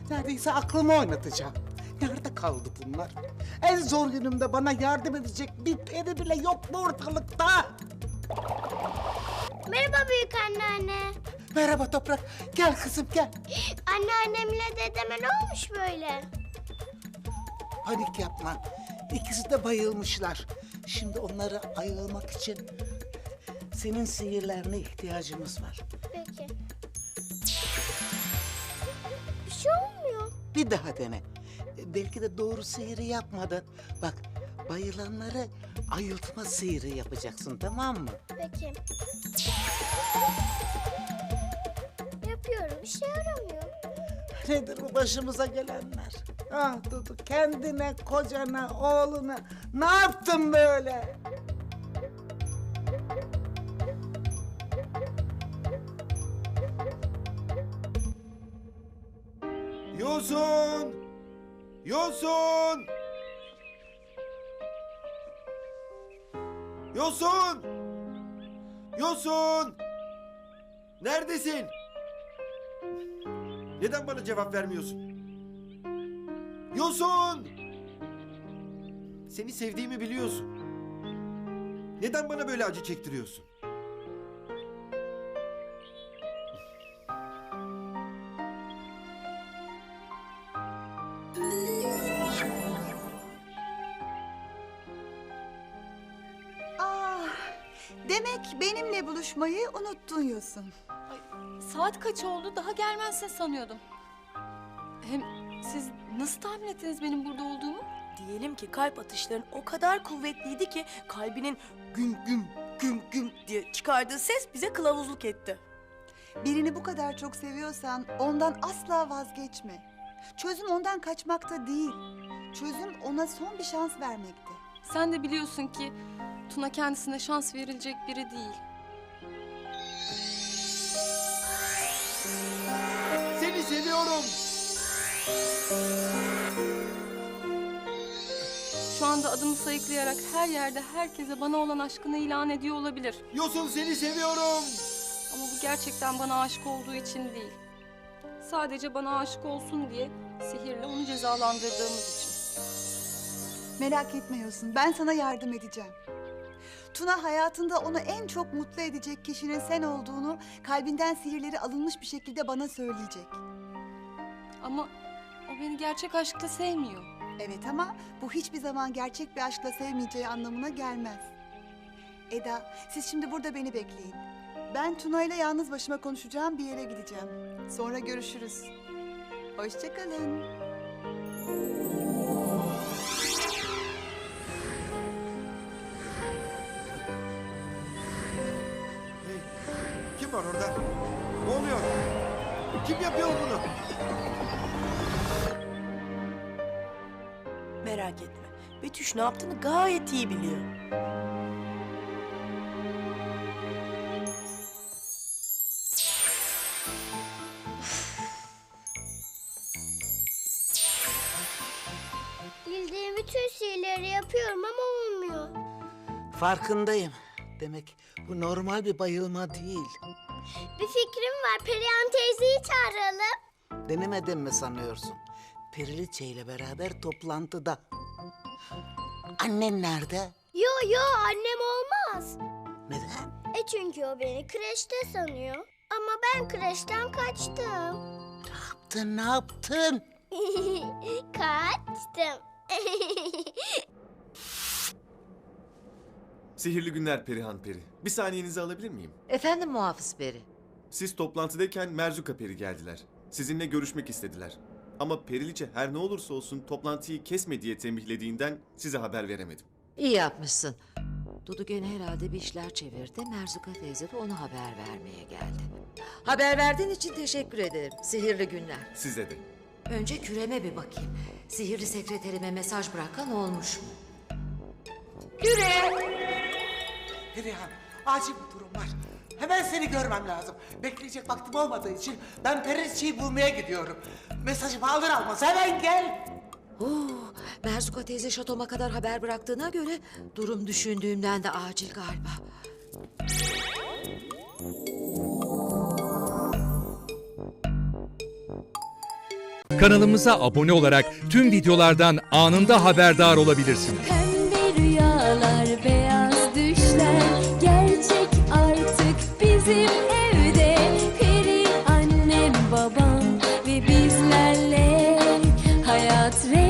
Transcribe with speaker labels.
Speaker 1: Neredeyse aklımı oynatacağım. Nerede kaldı bunlar? En zor günümde bana yardım edecek bir peri bile yok mu ortalıkta?
Speaker 2: Merhaba büyük anneanne.
Speaker 1: Merhaba Toprak. Gel kızım gel.
Speaker 2: Anneannemle dedeme ne olmuş böyle?
Speaker 1: Panik yapma. İkisi de bayılmışlar. Şimdi onları ayılmak için senin sihirlerine ihtiyacımız var.
Speaker 2: Peki. Bir şey olmuyor.
Speaker 1: Bir daha dene. Belki de doğru sihiri yapmadın. Bak, bayılanları ayıltma sihiri yapacaksın, tamam mı?
Speaker 2: Peki. Yapıyorum, işe yaramıyor.
Speaker 1: Nedir bu başımıza gelenler? Ah Dudu, kendine, kocana, oğluna ne yaptın böyle?
Speaker 3: Yosun! Yosun! Yosun! Yosun! Neredesin? Neden bana cevap vermiyorsun? Yosun! Seni sevdiğimi biliyorsun. Neden bana böyle acı çektiriyorsun?
Speaker 4: Demek benimle buluşmayı unuttun Yosun.
Speaker 5: Saat kaç oldu? Daha gelmezsin sanıyordum. Hem siz nasıl tahmin ettiniz benim burada olduğumu?
Speaker 6: Diyelim ki kalp atışların o kadar kuvvetliydi ki kalbinin güm güm güm güm diye çıkardığı ses bize kılavuzluk etti.
Speaker 4: Birini bu kadar çok seviyorsan ondan asla vazgeçme. Çözüm ondan kaçmakta değil. Çözüm ona son bir şans vermekte.
Speaker 5: Sen de biliyorsun ki Tuna kendisine şans verilecek biri değil.
Speaker 3: Seni seviyorum!
Speaker 5: Şu anda adımı sayıklayarak her yerde herkese bana olan aşkını ilan ediyor olabilir.
Speaker 3: Yosun seni seviyorum!
Speaker 5: Ama bu gerçekten bana aşık olduğu için değil. Sadece bana aşık olsun diye sihirle onu cezalandırdığımız için.
Speaker 4: Merak etme Yosun, ben sana yardım edeceğim. Tuna hayatında onu en çok mutlu edecek kişinin sen olduğunu kalbinden sihirleri alınmış bir şekilde bana söyleyecek.
Speaker 5: Ama o beni gerçek aşkla sevmiyor.
Speaker 4: Evet ama bu hiçbir zaman gerçek bir aşkla sevmeyeceği anlamına gelmez. Eda, siz şimdi burada beni bekleyin. Ben Tuna ile yalnız başıma konuşacağım bir yere gideceğim. Sonra görüşürüz. Hoşça kalın.
Speaker 3: Hey, kim var orada? Ne oluyor? Kim yapıyor bunu?
Speaker 6: Merak etme. Betüş ne yaptığını gayet iyi biliyor.
Speaker 2: Bildiğim bütün sihirleri yapıyorum ama olmuyor.
Speaker 1: Farkındayım. Demek bu normal bir bayılma değil.
Speaker 2: Bir fikrim var. Perihan teyzeyi çağıralım.
Speaker 1: Denemedin mi sanıyorsun? Periliçe ile beraber toplantıda. Annen nerede?
Speaker 2: Yo annem olmaz.
Speaker 1: Neden?
Speaker 2: Çünkü o beni kreşte sanıyor. Ama ben kreşten kaçtım.
Speaker 1: Ne yaptın?
Speaker 2: Kaçtım.
Speaker 7: Sihirli günler Perihan Peri. Bir saniyenizi alabilir miyim?
Speaker 8: Efendim Muhafız Peri.
Speaker 7: Siz toplantıdayken Merzuka Peri geldiler. Sizinle görüşmek istediler. Ama Periliçe her ne olursa olsun toplantıyı kesme diye tembihlediğinden size haber veremedim.
Speaker 8: İyi yapmışsın. Dudu gene herhalde bir işler çevirdi. Merzuka teyze de ona haber vermeye geldi. Haber verdiğin için teşekkür ederim. Sihirli günler.
Speaker 7: Size de.
Speaker 8: Önce küreme bir bakayım. Sihirli sekreterime mesaj bırakan olmuş mu?
Speaker 1: Perihan, acil bir durum var. Hemen seni görmem lazım. Bekleyecek vaktim olmadığı için ben Periliçe'yi bulmaya gidiyorum. Mesajımı alır almaz hemen gel.
Speaker 8: Merzuka teyze şatoma kadar haber bıraktığına göre durum düşündüğümden de acil galiba.
Speaker 9: Kanalımıza abone olarak tüm videolardan anında haberdar olabilirsiniz.
Speaker 10: Pembe rüyalar, beyaz düşler gerçek artık bizim evde. Peri annem, babam ve bizlerle hayat